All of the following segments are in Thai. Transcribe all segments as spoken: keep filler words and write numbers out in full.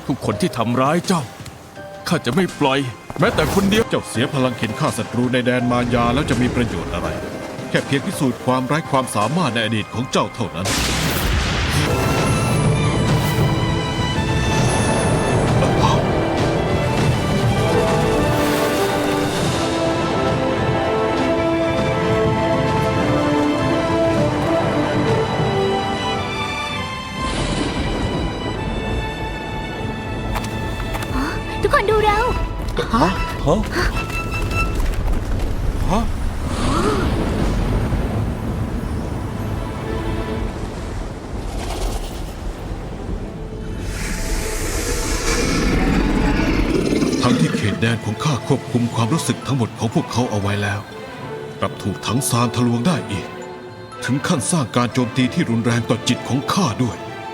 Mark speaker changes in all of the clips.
Speaker 1: ทุกคนที่ทำร้ายเจ้าข้าจะไม่ปล่อยแม้แต่คนเดียวเจ้าเสียพลังเข็นฆ่าศัตรูในแดนมารยาแล้วจะมีประโยชน์อะไรแค่เพียงพิสูจน์ความไร้ความสามารถในอดีตของเจ้าเท่านั้น
Speaker 2: ทุกคนดูเรา
Speaker 3: ฮะฮะฮะ
Speaker 1: ทั้งที่เขตแดนของข้าควบคุมความรู้สึกทั้งหมดของพวกเขาเอาไว้แล้วกลับถูกทั้งซานทะลวงได้อีกถึงขั้นสร้างการโจมตีที่รุนแรงต่อจิตของข้าด้วย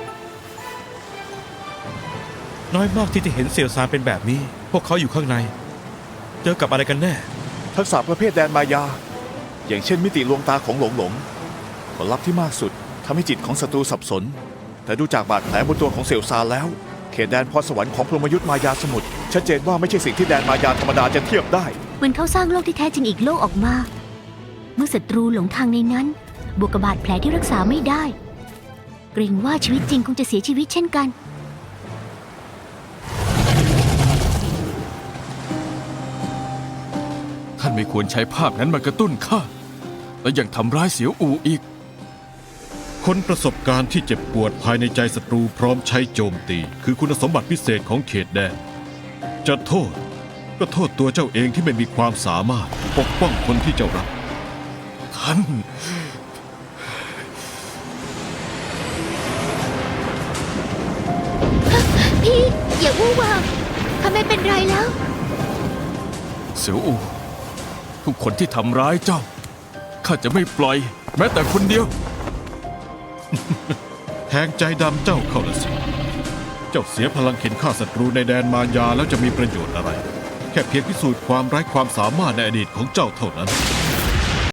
Speaker 3: น้อยมากที่จะเห็นเสี่ยวซานเป็นแบบนี้พวกเขาอยู่ข้างในเจอกับอะไรกันแน่
Speaker 4: ทักษะประเภทแดนมายา อย่างเช่นมิติลวงตาของหลงหลงผลลัพธ์ที่มากสุดทำให้จิตของศัตรูสับสนแต่ดูจากบาดแผลบนตัวของเสี่ยวซานแล้วเขตแดนพรสวรรค์ของพรหมยุทธ์มายาสมุทรชัดเจนว่าไม่ใช่สิ่งที่แดนมายาธรรมดาจะเทียบได้
Speaker 2: เหมือนเขาสร้างโลกที่แท้จริงอีกโลกออกมา เมื่อศัตรูหลงทางในนั้นบวกกับบาดแผลที่รักษาไม่ได้เกรงว่าชีวิตจริงคงจะเสียชีวิตเช่นกัน
Speaker 1: ท่านไม่ควรใช้ภาพนั้นมากระตุ้นข้าและยังทำร้ายเสียวอูอีก คนประสบการณ์ที่เจ็บปวดภายในใจศัตรูพร้อมใช้โจมตี คือคุณสมบัติพิเศษของเขตแดนจะโทษก็โทษตัวเจ้าเองที่ไม่มีความสามารถปกป้องคนที่เจ้ารักท่าน
Speaker 2: พี่อย่าวู่วามข้าไม่เป็นไรแล้ว
Speaker 1: เสียวอูทุกคนที่ทำร้ายเจ้าข้าจะไม่ปล่อยแม้แต่คนเดียว แทงใจดำเจ้าเข้าละสิเจ้าเสียพลังเข็นฆ่าศัตรูในแดนมารยาแล้วจะมีประโยชน์อะไรแค่เพียงพิสูจน์ความไร้ความสามารถในอดีตของเจ้าเท่านั้น